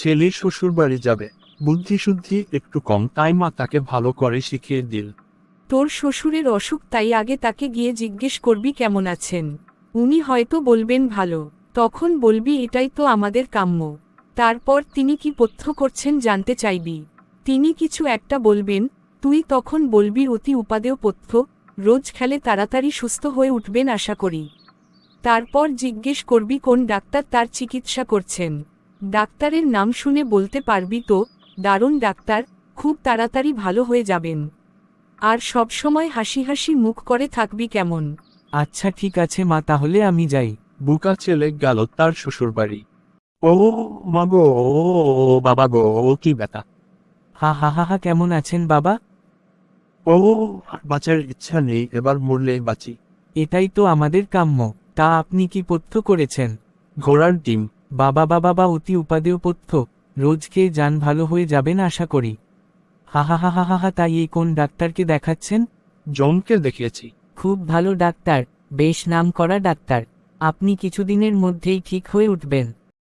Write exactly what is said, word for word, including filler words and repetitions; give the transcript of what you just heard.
ছেলে শ্বশুর বাড়ি যাবে, বুদ্ধি শুদ্ধি একটু কম, তাই মা তাকে ভালো করে শিখিয়ে দিল। তোর শ্বশুরের অসুখ, তাই আগে তাকে গিয়ে জিজ্ঞেস করবি কেমন আছেন। উনি হয়তো বলবেন ভালো, তখন বলবি এটাই তো আমাদের কাম্য। তারপর তিনি কি পথ্য করছেন জানতে চাইবি। তিনি কিছু একটা বলবেন, তুই তখন বলবি অতি উপাদেয় পথ্য, রোজ খেলে তাড়াতাড়ি সুস্থ হয়ে উঠবেন আশা করি। তারপর জিজ্ঞেস করবি কোন ডাক্তার তার চিকিৎসা করছেন। ডাক্তারের নাম শুনে বলতে পারবি তো, দারুণ ডাক্তার, খুব তাড়াতাড়ি ভালো হয়ে যাবেন। আর সব সময় হাসি হাসি মুখ করে থাকবি কেমন। আচ্ছা ঠিক আছে মা, তাহলে আমি যাই। বুকা ছেলে গেল তার শ্বশুর বাড়ি। ও মা গো, ও বাবা গো, ও কি ব্যথা! হা হা হা হা, কেমন আছেন বাবা? ও, আর বাঁচার ইচ্ছা নেই, এবার মরলেই বাঁচি। এটাই তো আমাদের কাম্য। তা আপনি কি পথ্য করেছেন? ঘোড়ার ডিম। বাবা বাবা বা অতি উপাদেয় পথ্য, রোজ খেয়ে যান ভালো হয়ে যাবেন আশা করি। হা হা হা হা হা হা, তাই এই কোন ডাক্তারকে দেখাচ্ছেন? জনকে দেখিয়েছি। খুব ভালো ডাক্তার, বেশ নাম করা ডাক্তার। আপনি কিছুদিনের মধ্যেই ঠিক হয়ে উঠবেন।